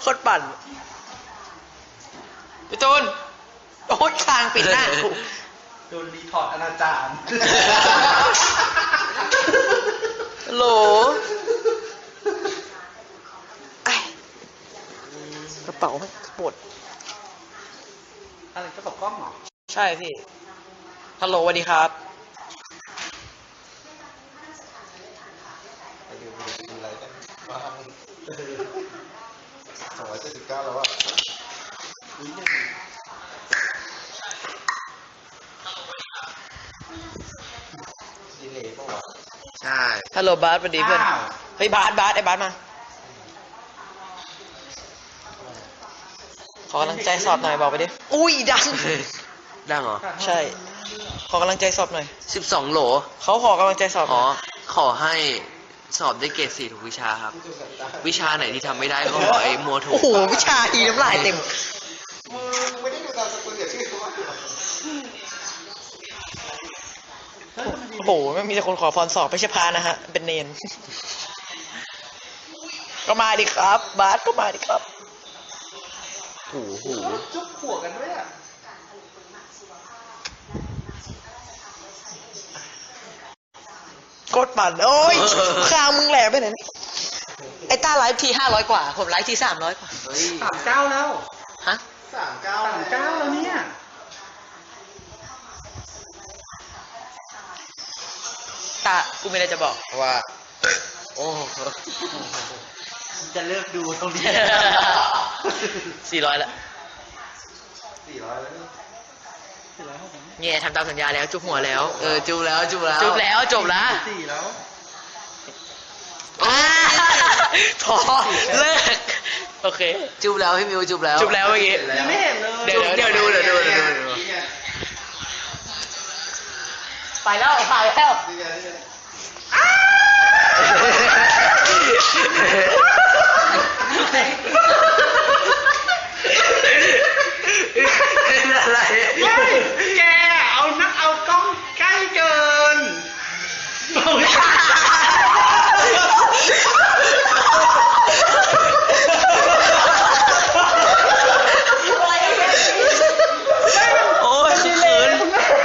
โคตรปั่นพี่ตูนโอ้ยคางปิดหน้าโดนรีพอร์ตอนาจารโหลกระเป๋าไม่ปวดอะไรกระเป๋ากล้องเหรอใช่พี่ฮัลโหลสวัสดีครับอะไรกันบ้าง279แล้วอะดีเลยป่าวะใช่ฮัลโหลบาสสวัสดีเพื่อนเฮ้ยบาสไอ้บาสมาขอกำลังใจสอบหน่อยบอกไปดิอุ้ยดังดังเหรอใช่ขอกำลังใจสอบหน่อย 12 โหลเขาขอกำลังใจสอบหอ๋น่ออยขอให้สอบได้เกรด 4 ทุกวิชาครับ วิชาไหนที่ทำไม่ได้ก็ขอไอ้มัวถูโอ้กโหวิชาอีน้ำลายเต็มมึงไม่ได้ดูตามสกุลเดี๋ยวชื่อเขาว่าโอ้โหไม่มีแต่คนขอพรสอบไม่ใช่พานะฮะเป็นเนนก็มาดิครับบาสก็มาดิครับหูจุ๊บหัวกันด้วยอ่ะกดปั่นโอ้ยคางมึงแหลมไปไหนนี่ไอ้ต้าไลฟ์ที500 กว่าผมไลฟ์ที300 กว่าเฮ้ย 39แล้วฮะ 39 39แล้วเนี่ยตากูมีอะไรจะบอกว่า โอ้จะเลิกดูตรงนี้ 400ละ 400แล้วนี่เนี่ยทำตามสัญญาแล้วจุ๊บหัวแล้วจุบแล้วจุ๊บแล้วจบละ 4แล้วพอเลิกโอเคจุบแล้วพี่มิวจุบแล้วจุ๊บแล้วเมื่อกี้ยังไม่เห็นเลยเดี๋ยวดู ไปแล้วไปแล้วนี่ไงอะไรแกเอากล้องใกล้เกินโอ้ยเขิน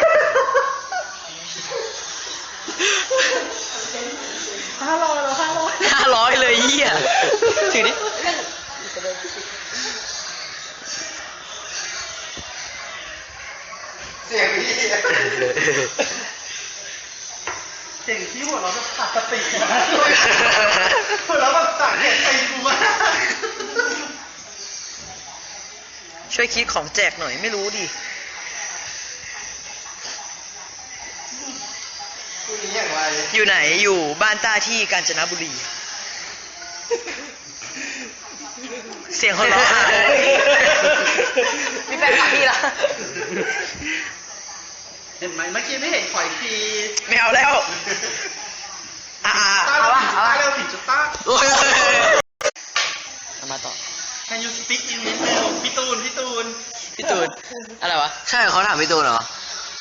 500เลยเหี้ยถือดิเสียงพี่เสียงที่หัวเราะแบบขาดสตินะหัวเราะแบบสั่งเหตุตีกูมากช่วยคิดของแจกหน่อยไม่รู้ดิคุณนี้อย่างไรอยู่ไหนอยู่บ้านต้าที่กาญจนบุรี เสียงเขาร้องมีแฟนคลับพี่ละเห็นไหมเมื่อกี้ไม่เห็นขอยทีไม่เอาแล้วต้าเอาเร็ววะผิดต้าเร็วผิดจุดต้าเอามาต่อ Can you speak English พี่ตูนพี่ตูนอะไรวะใช่เขาถามพี่ตูนเหรอ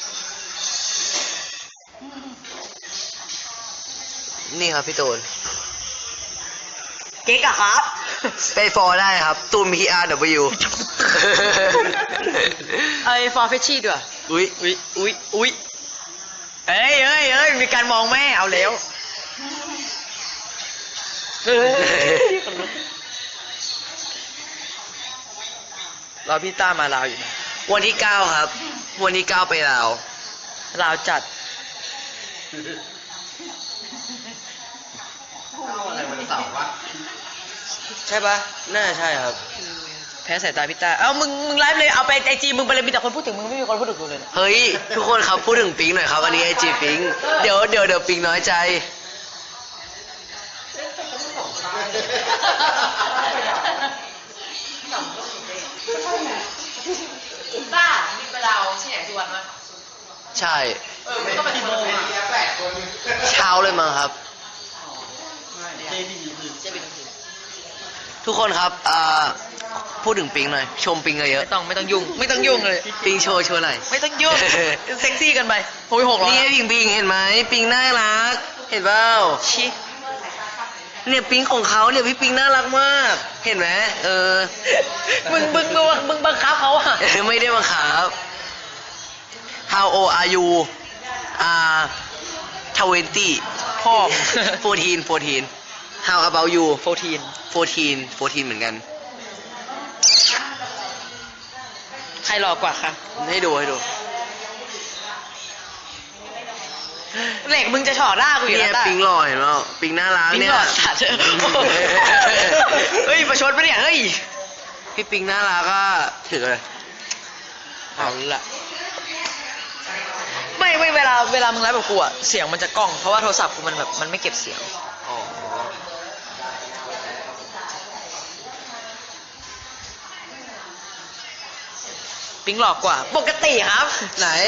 นี่ครับพี่ตูนเก๊กอะครับไปฟอลได้ครับ ตูน PRW ไอ้ฟอร์เฟชชี่ด้วยอุ้ยอุ้ยเอ้ยมีการมองแม่เอาแล้วรอพี่ต้ามาลาวอยู่นะวันที่ 9 ครับ วันที่ 9 ไปลาวลาวจัดอะไรวันเสาร์วะใช่ปะน่าใช่ครับแพ้สายตาพี่ต้าเอามึงไลฟ์เลยเอาไปไอจีมึงไปเลยมีแต่คนพูดถึงมึงไม่มีคนพูดถึงกูเลยนะเฮ้ย ทุกคนครับพูดถึงปิงหน่อยครับ อันนี้ไอจีปิง เดี๋ยวปิงน้อยใจต้ามีไปลาวที่ไหนทุกวันมั้ยใช่มันก็เป็นคนละ 8 คนเช้าเลยมั้งครับเจดีทุกคนครับพูดถึงปิงหน่อย ชมปิงเยอะไม่ต้องยุ่งเลยปิงโชว์หน่อยไม่ต้องยุ่งเซ็กซี่กันไปโอ้ย600 นี่ไงปิงเห็นไหมปิงน่ารัก เห็นเปล่าชิเนี่ยปิงของเขาเนี่ยพี่ปิงน่ารักมาก เห็นไหมมึงบังคับเขาอ่ะไม่ได้บังคับ How old are you 20 พ่อ 14 How about you 14 14เหมือนกันใครหล่อกว่าคะให้ดูเหล็กมึงจะฉอดหน้ากูอยู่เนี่แล้ยว ปิงหล่อเห็นไหมปิงน่ารักปิงเนี่ยหล่อสัตว์เฮ้ยประชดปะเนี่ยเฮ้ยพี่ปิงน่ารักก็ถือเลยเอาละไม่เวลามึงไลฟ์แบบกูอะเสียงมันจะกล้องเพราะว่าโทรศัพท์กูมันแบบมันไม่เก็บเสียงอ๋อปิงหลอกกว่า ปกติครับไหน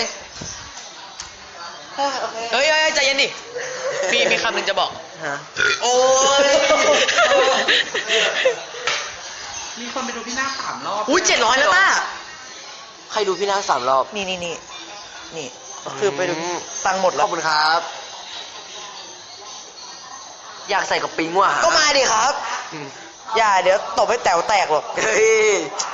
เฮ้ยใจเย็นดิมีคำหนึ่งจะบอกฮะโอ้ยมีคนไปดูพี่หน้า3 รอบอุ้ย700แล้วต้าใครดูพี่นาค3 รอบนี่คือไปดูตังค์หมดขแล้อวบคุณครับ อยากใส่กับปิงว่ะก็มาดิครับอืมอย่าเดี๋ยวตบให้แต๋วแตกหรอกเฮ้ย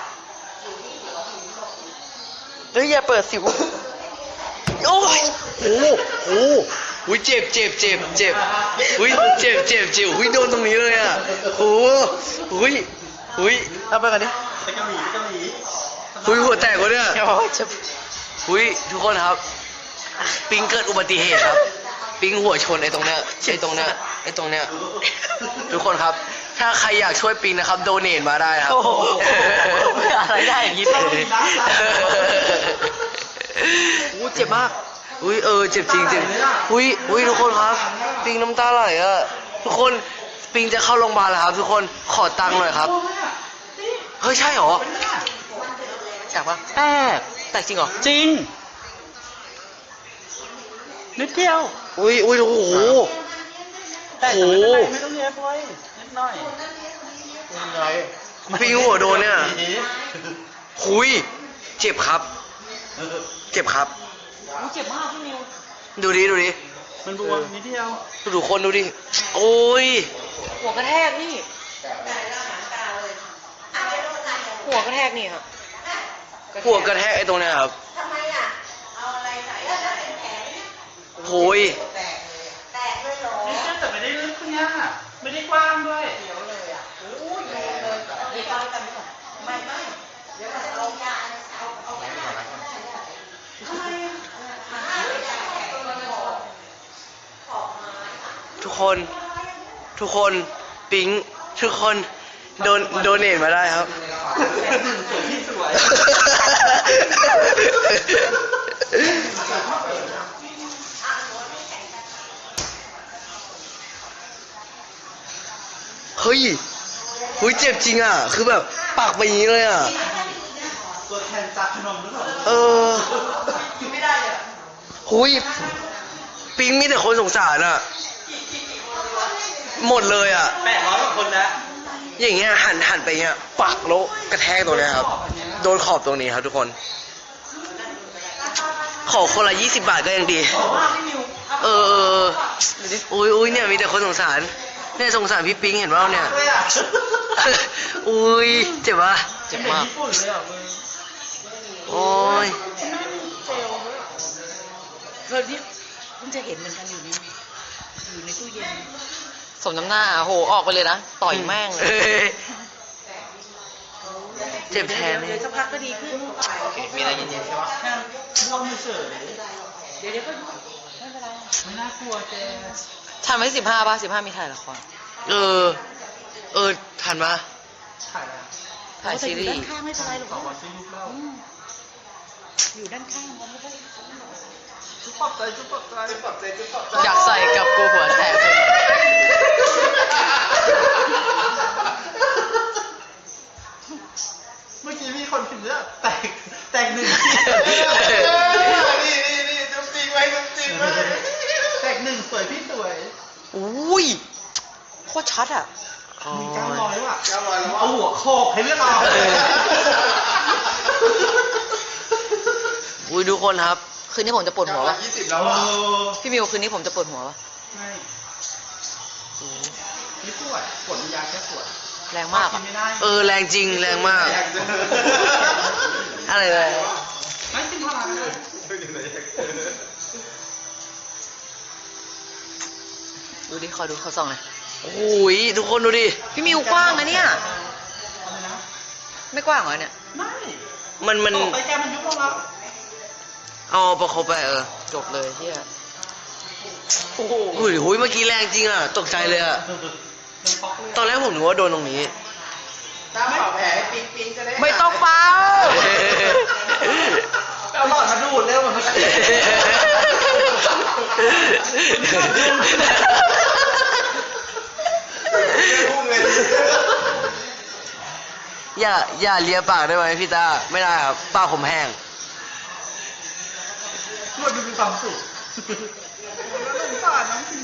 เฮ้ยอย่าเปิดสิวโอ้ยโอ้โหอุ้ยเจ็บอุ้ยเจ็บอุ้ยโดนตรงนี้เลยอ่ะโอ้อุ้ยเอาไปกันดิไปเกาหลีอุ้ยหัวแตกวะเนี่ยโอ้ยเจ็บอุ้ยทุกคนครับ ปิงเกิดอุบัติเหตุครับ ปิงหัวชนไอ้ตรงเนี้ยทุกคนครับ ถ้าใครอยากช่วยปิงนะครับโดเนทมาได้ครับโอ้โหอะไรได้อย่างนี้อู้เจ็บมากอุ้ยเจ็บจริงอุ้ยทุกคนครับ ปิงน้ำตาไหลอ่ะทุกคนปิงจะเข้าโรงพยาบาลแล้วครับ ทุกคนขอตังค์หน่อยครับเฮ้ยใช่เหรอแตกปะแตกจริงเหรอจริง นิดเดียวอุ้ยโอ้โหแต่ไม่เป็นไรไม่ต้องเย็บไว้นิดหน่อยปิงหัวโดนเนี่ยหุยเจ็บครับอู้เจ็บมากพี่นิวดูดิมันบวมนิดเดียวดูคนดูดิโอ้ยหัวกระแทกนี่หัวกระแทกนี่ครับหัวกระแทกไอ้ตรงเนี้ยครับโอ้ยนี่แต่ไม่ได้ลึกเนี่ยไม่ได้กว้างด้วยทุกคนปิ๊งทุกคนโดเนทมาได้ครับพี่สวยเฮ้ยเจ็บจริงอ่ะ คือแบบปากไปอย่างนี้เลยอ่ะตัวแทนจากขนมหรือเปล่าไม่ได้เลยหุยปิ๊งมีแต่คนสงสารอ่ะ หมดเลยอ่ะ 800 กว่าคนแล้วอย่างเงี้ยหันไปเงี้ยปักแล้วกระแทกตรงเนี้ยครับ โดนขอบตรงนี้ครับทุกคน ขอคนละ20 บาทก็ยังดี อุ้ยเนี่ยมีแต่คนสงสารเนี่ยสงสารพี่ปิ๊งเห็นว่าเนี่ย อุ้ยเจ็บปะเจ็บมากญี่ปุ่นเลยอ่ะมึงโอ้ยเพิ่งจะเห็นเหมือนกันอยู่ในตู้เย็นสมน้ำหน้าโหออกไปเลยนะต่อยแม่งเลยเอ้ยเจ็บแทนเดี๋เนี่ยวยสักพักก็ดีขึ้นมีอะไรเย็นๆใช่ปะแค่ลองเฉยเดี๋ยวก็ไม่เป็นไรไม่น่ากลัวเจ๊ทันไว้15ป่ะ15มีถ่ายละครทันปะถ่ายแล้วถ่ายซีรีด้านส์ข้างไม่เป็นไรหรอกต่อวันซื้อยุคแล้วอยู่ด้านข้างมันไม่ได้จุ๊บปรับใจอยากใส่กับกูหัวแตกเลยเมื่อกี้มีคนพิมพ์เนี่ยแตกหนึ่งนี่จุ๊บจริงไว้แตกหนึ่งสวยพี่สวยอุ้ยโคตรชัดอ่ะมี900ว่ะเอาหัวโขกให้เลือกเอาอุ้ยทุกคนครับคืนนี้ผมจะปวดหัวปะแล้วพี่มิวคืนนี้ผมจะปวดหัวปะไม่ไม่ปวดปวดยาแค่ปวดแรงมากกิอะนไม่ได้เออแรงจริงแรงมากอยากเจออะไรเลยไม่กินพาราเลยอยู่ไหนอยากเจอดูดิขอดูเขาส่องหน่อยโอ้ยทุกคนดูดิพี่มิวกว้างนะเนี่ยอะไรนะไม่กว้างเหรอเนี่ยไม่มันตกไปแกมันยุบลงแล้วเอาประคบไปจบเลยเฮียโอ้โหอุ้ยหุยเมื่อกี้แรงจริงอ่ะ ตกใจเลยอ่ะมันป๊อกเลยตอนแรกผมนึกว่าโดนตรงนี้ถ้าเป่าแผลให้ปิ๊งปิ๊งจะได้ไม่ต้องเป่าเอาหลอดมาดูดเร็วเหมือนเมื่อกี้พุ่งเลยอย่าเลียปากได้ไหมพี่ตา ไม่ได้ครับปากผมแห้งนวดดูมีความสุขสงสารน้องจริง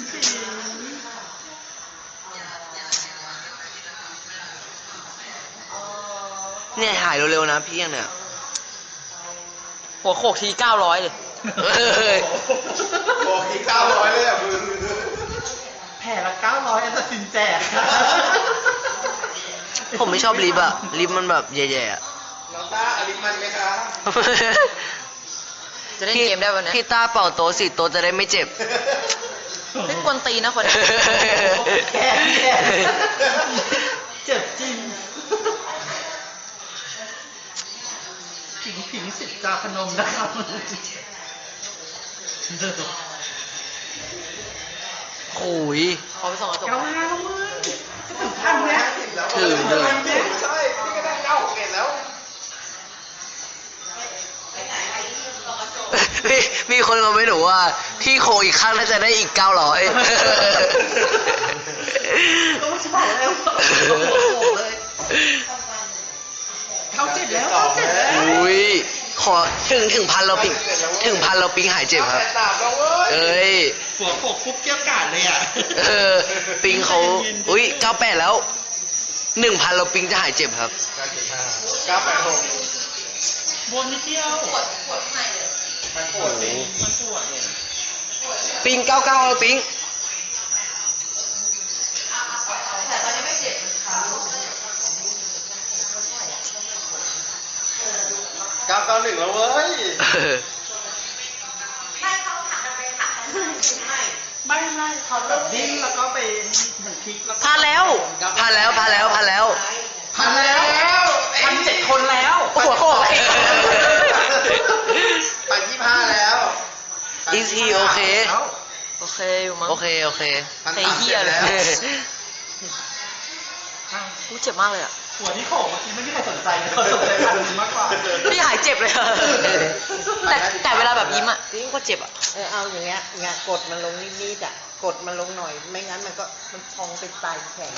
เนี่ยหายเร็วๆนะพี่ยังเนี่ยหัวโขกที900เลยเอ้ยบอกอีก900เลยอ่ะมึงๆแผ่ละ900แอสซัสซินแจกผมไม่ชอบลิฟต์อะลิฟต์มันแบบแย่ๆอะน้องต้าอลิมันไหมครับจะเล่นเกมได้วันนี้พี่ต้าเป่าโต๊ะสิโต๊ะจะได้ไม่เจ็บเล่นกวนตีนนะคนนี้แก่เจ็บจริงผิงสิทธิ์จาพนมนะครับโอ้ยขอไปส่องกระจกเก้าห้าแล้วเว้ยจะถึงพันแล้ว 50แล้วถึงใช่พี่ก็ได้96แล้วมีคนมาไม่หนูว่าพี่โคอีกข้างน่าจะได้อีก 900 ก็จะบอกแล้วเลยเขาเจ็บแล้วเขาเจ็บแล้วอุ้ยขอถึงพันเราปิ๊งหายเจ็บครับ 3แล้วเว้ยเอ้ยหัวโขกปุ๊บเกี้ยวกาดเลยอ่ะปิงเขาอุ้ย98แล้ว 1,000เราปิงจะหายเจ็บครับ 986 บนนิดเดียวมันปวดสิมันปวดเนี่ยปิง99แล้วปิง 991แล้วเว้ยไม่เขาแบบดิ้นแล้วก็ไปเหมือนพลิกแล้วก็พาแล้วพันแล้วพันแล้ว1,700 คนแล้วหัวโขกไป25แล้ว Is he okay โอเคอยู่มั้งโอเคไอ้เหี้ยเลย กูเจ็บมากเลยอ่ะหัวที่โขกเมื่อกี้ไม่มีใครสนใจเลยเขาสนใจพันมากกว่าพี่หายเจ็บเลยอะแต่เวลาแบบยิ้มอ่ะยิ่งก็เจ็บอ่ะเอาอย่างเงี้ยกดมันลงนิดๆอ่ะ กดมันลงหน่อย ไม่งั้นมันพองเป็นปลายแข็ง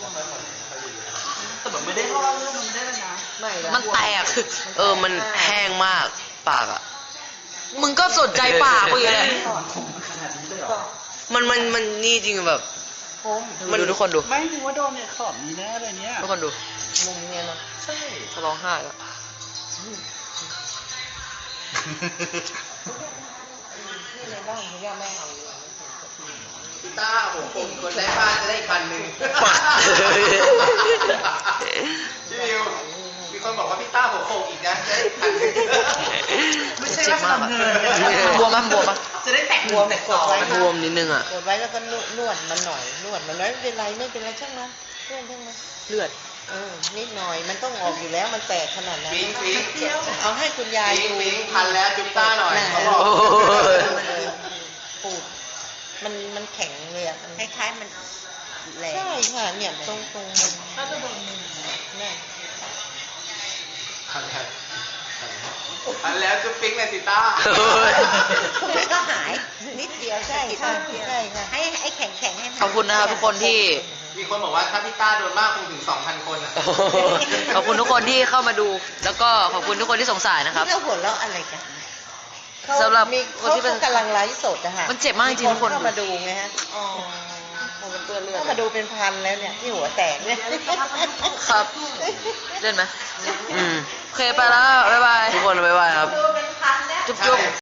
แต่แบบไม่ได้ล่อเรื่องมันไม่ได้เลยนะไม่ละมันแตกมันแห้งมากปากอ่ะมึงก็สนใจปากกูอยู่เลยถอนผมขนาดนี้เลยเหรอมันนี่จริงแบบคมดูทุกคนดูไม่รู้ว่าโดนเนี่ยขอบนี้แน่เลยเนี่ยทุกคนดูมุมเนี้ยเนาะใช่จะร้องไห้แล้วที่ในบ้านเขาย่าไม่เอาเลยพี่ต้าผมคนได้บ้านจะได้อีก1,000พี่มิวมีคนบอกว่าพี่ต้าหัวโขกอีกนะจะได้อีก1,000 ไม่ใช่ว่าทำเงินบวมปะจะได้แตกบวมกดไว้บวมนิดนึงอ่ะกดไว้แล้วก็นวดมันหน่อย นวดมันไม่เป็นไรช่างมันเรื่องช่างมันเลือดนิดหน่อย มันต้องออกอยู่แล้ว มันแตกขนาดนั้นปิ๊งเอาให้คุณยายดูปิ๊งพันแล้วจุ๊บต้าหน่อยเขาบอกโอ้ยปูดมันแข็งเลยอ่ะคล้ายๆมันแหลมใช่ค่ะ เนี่ยตรงมันถ้าจะโดนมือเนี่ยพันแล้วจุ๊บปิ๊งเลยสิต้าก็หายนิดเดียวใช่ค่ะใช่ค่ะให้แข็งให้ขอบคุณนะครับทุกคนที่มีคนบอกว่าถ้าพี่ต้าโดนมากคงถึง 2,000 คนอ่ะขอบคุณทุกคนที่เข้ามาดู แล้วก็ขอบคุณทุกคนที่สงสารนะครับนี่เราหัวเราะอะไรกันสำหรับมีคนที่เป็นเขากำลังไลฟ์สดอะค่ะมันเจ็บมากจริงๆทุกคนเข้ามาดูไงฮะอ๋อมันเปื้อนเลือดเข้ามาดูเป็นพันแล้วเนี่ยที่หัวแตกเนี่ยครับ เล่นไหมอืมโอเคไปแล้ว บ๊ายบายทุกคนบ๊ายบายครับจุ๊บ